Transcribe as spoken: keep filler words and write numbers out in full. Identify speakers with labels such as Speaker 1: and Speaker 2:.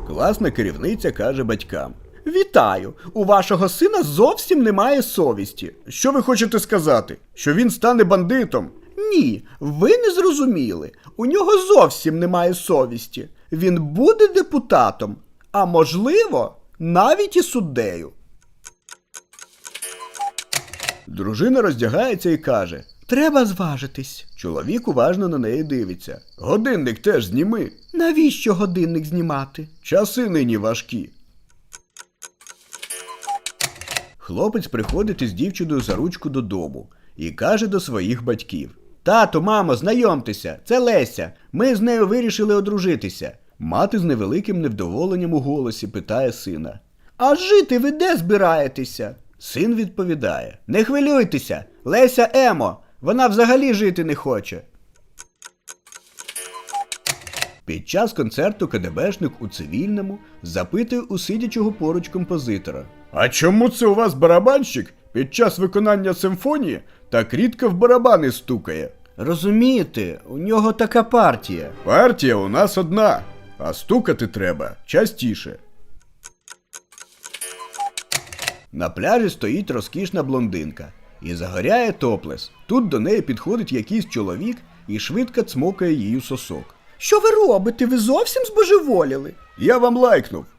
Speaker 1: Класна керівниця каже батькам: «Вітаю! У вашого сина зовсім немає совісті». Що ви хочете сказати? Що він стане бандитом? Ні, ви не зрозуміли. У нього зовсім немає совісті. Він буде депутатом, а можливо, навіть і суддею. Дружина роздягається і каже: «Треба зважитись». Чоловік уважно на неї дивиться. «Годинник теж зніми». «Навіщо годинник знімати?» «Часи нині важкі». Хлопець приходить із дівчиною за ручку додому і каже до своїх батьків: «Тато, мамо, знайомтеся, це Леся. Ми з нею вирішили одружитися». Мати з невеликим невдоволенням у голосі питає сина: «А жити ви де збираєтеся?» Син відповідає: «Не хвилюйтеся, Леся емо, вона взагалі жити не хоче». Під час концерту КДБшник у цивільному запитує у сидячого поруч композитора: «А чому це у вас барабанщик під час виконання симфонії так рідко в барабани стукає?» «Розумієте, у нього така партія». «Партія у нас одна, а стукати треба частіше». На пляжі стоїть розкішна блондинка і загоряє топлес. Тут до неї підходить якийсь чоловік і швидко цмокає її сосок. «Що ви робите? Ви зовсім збожеволіли?» «Я вам лайкнув.